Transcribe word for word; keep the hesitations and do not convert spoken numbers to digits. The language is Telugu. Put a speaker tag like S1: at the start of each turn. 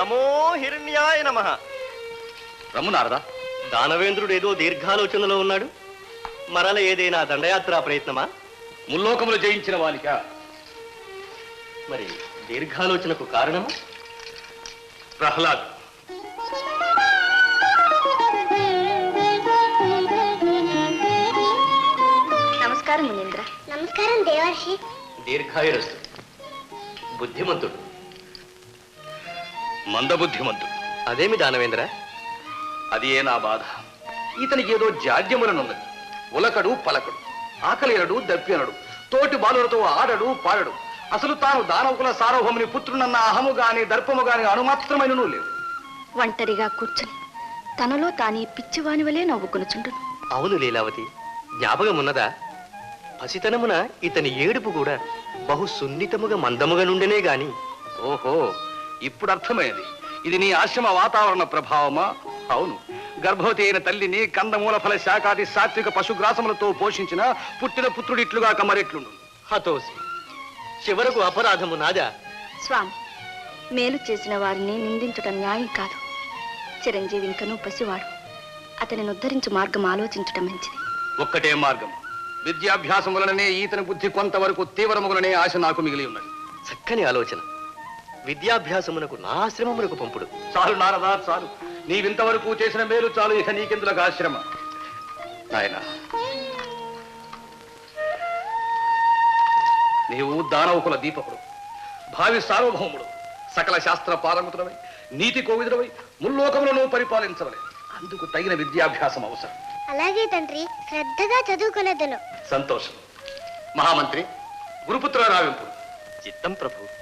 S1: నమో హిరణ్యాయ నమః.
S2: రమ్ము నారదా.
S1: దానవేంద్రుడు ఏదో దీర్ఘాలోచనలో ఉన్నాడు. మరల ఏదైనా దండయాత్రా ప్రయత్నమా?
S2: ముల్లోకములు జయించిన వానిక.
S1: మరి దీర్ఘాలోచనకు కారణము?
S2: ప్రహ్లాద్.
S3: నమస్కారం మునీంద్ర.
S4: నమస్కారం దేవర్షి.
S1: దీర్ఘాయురస్తు. బుద్ధిమంతుడు,
S2: మందబుద్ధిమంతుడు.
S1: అదేమి దానవేంద్ర?
S2: అది ఏ నా బాధ. ఇతనికి ఏదో జాడ్యములనున్నది. ఉలకడు పలకడు, ఆకలినడు దప్పినడు, తోటి బాలులతో ఆడడు పాడడు. అసలు తాను దానవుకుల సార్వభౌముని పుత్రునన్న అహము గాని దర్పము గాని అణుమాత్రమైనను లేవు.
S3: ఒంటరిగా కూర్చుని తనలో తానే పిచ్చివాని వలె నవ్వుకునుచుండును.
S1: అవును లీలావతి, జ్ఞాపకమున్నదా? పసితనమున ఇతని ఏడుపు కూడా బహు సున్నితముగా మందముగా నుండినే గాని.
S2: ఓహో, ఇప్పుడు అర్థమైంది. ఇది నీ ఆశ్రమ వాతావరణ ప్రభావమా? అవును, గర్భవతి అయిన తల్లిని కందమూల ఫల శాఖాది సాత్విక పశుగ్రాసములతో పోషించిన పుట్టిన పుత్రుడిట్లుగా కమరెట్లుండు.
S1: హతోసి, చివరకు అపరాధము నాదా?
S3: స్వామి, మేలు చేసిన వారిని నిందించటం న్యాయం కాదు. చిరంజీవి ఇంకనూ పసివాడు. అతనిని ఉద్ధరించు మార్గం ఆలోచించటం మంచిది.
S2: ఒక్కటే మార్గం. విద్యాభ్యాసం వలననే ఈతని బుద్ధి కొంతవరకు తీవ్రములనే ఆశ నాకు మిగిలి ఉన్నది.
S1: చక్కని ఆలోచన. విద్యాభ్యాసమునకు నా ఆశ్రమమునకు పంపుడు.
S2: చాలు నారదా, చాలు. నీవింతవరకు చేసిన మేలు చాలు. ఇక నీకెందులకు ఆశ్రమ? నాయనా, నీవు దానవుకుల దీపకుడు, భావి సార్వభౌముడు, సకల శాస్త్ర పారంగుతుడవై, నీతి కోవిదుడవై ముల్లోకములను పరిపాలించవలే. అందుకు తగిన విద్యాభ్యాసం అవసరం.
S4: అలాగే తండ్రి, శ్రద్ధగా చదువుకునేదను.
S2: సంతోషం. మహామంత్రి, గురుపుత్ర రావింపు.
S1: చిత్తం ప్రభు.